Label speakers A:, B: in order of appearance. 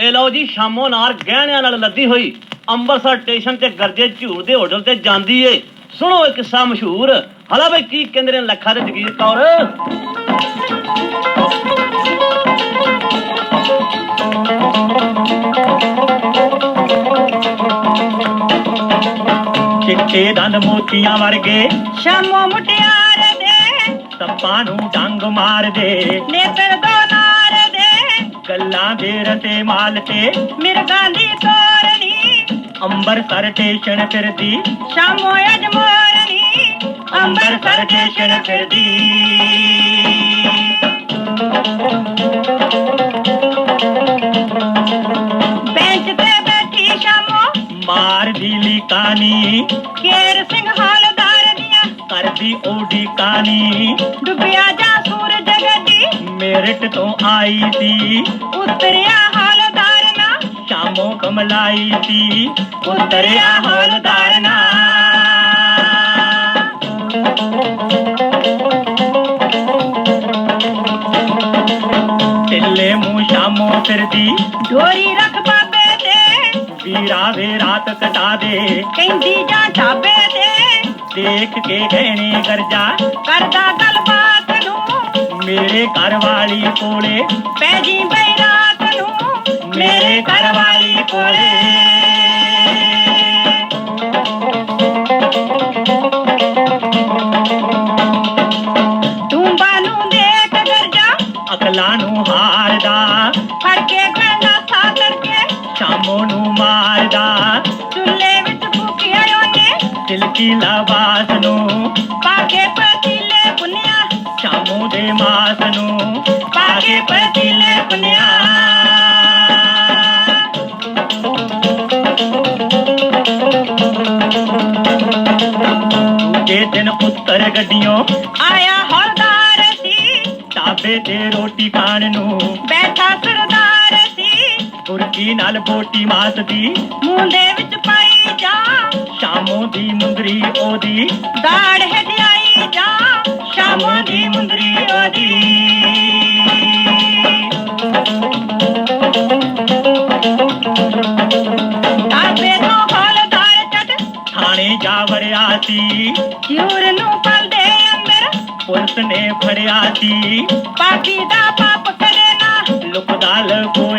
A: ए लो जी शामो नार गहणियां नाल लदी हुई ਅੰਮ੍ਰਿਤਸਰ स्टेशन ते गरजे झूर दे होटल ते ਜਾਂਦੀ ਏ। सुनो एक किस्सा मशहूर। हला भाई की कहंदे ने लखा ते जगीर कौर
B: चिट्टे दंद मोतियां वर्गे
C: शामो मुटियार दे
B: सप्पां नूं डंग मार दे
C: नेत्र दो नार दे
B: गल्लां दे रते माल ते
C: मिर्गां दी तोरनी
B: ਅੰਮ੍ਰਿਤਸਰ स्टेशन फिरदी
C: शामो अजमोरनी
B: ਅੰਮ੍ਰਿਤਸਰ स्टेशन फिरदी
C: बेंच ते बैठी शामो
B: मार दी लिकानी
C: केर सिंह हालदार दिया
B: करदी ओडी कानी
C: डुबिया जा सूरज गदी
B: मेरठ तो आई सी
C: उतरिया हालदार ना
B: शामो कमलाई सी
C: उतरिया हालदार ना
B: टिल्ले मुंह शामो फिरदी
C: ढोरी रख बाबे दे
B: वीरा वे रात कटा दे
C: कहंदी जा ढाबे दे
B: देख के गहने गरजा
C: करदा गलबात नू
B: मेरे घर वाली कोले
C: पै जी बई रात नू
B: मेरे घर वाली कोले
C: टूंबा नू देख गरजा
B: अकला नू हारदा
C: फड़ के गंदा था तड़के
B: शामो नू मारदा
C: चुल्ले विच फूकिया ओने
B: तिलकी लबास नू
C: पाके पतीले पुनिया
B: शामो दे मास नू
C: पाके पतीले पुनिया
B: दूजे दिन उत्तर गड्डियों
C: आया हौलदार सी
B: ढाबे ते रोटी खाण नू
C: बैठा सरदार सी
B: बुरकी नाल बोटी मासदी
C: मुंह दे विच पाई जा
B: शामो दी मुंदरी ओदी
C: दाड़ हदियाई जा शामो दी मुंदरी ओदी ढाबे तो हौलदार चट
B: थाने जा वड़िया सी
C: झूर नू पल दे अंदर
B: पुलिस ने फड़िया सी
C: पापी दा पाप करे ना
B: लुकदा लगो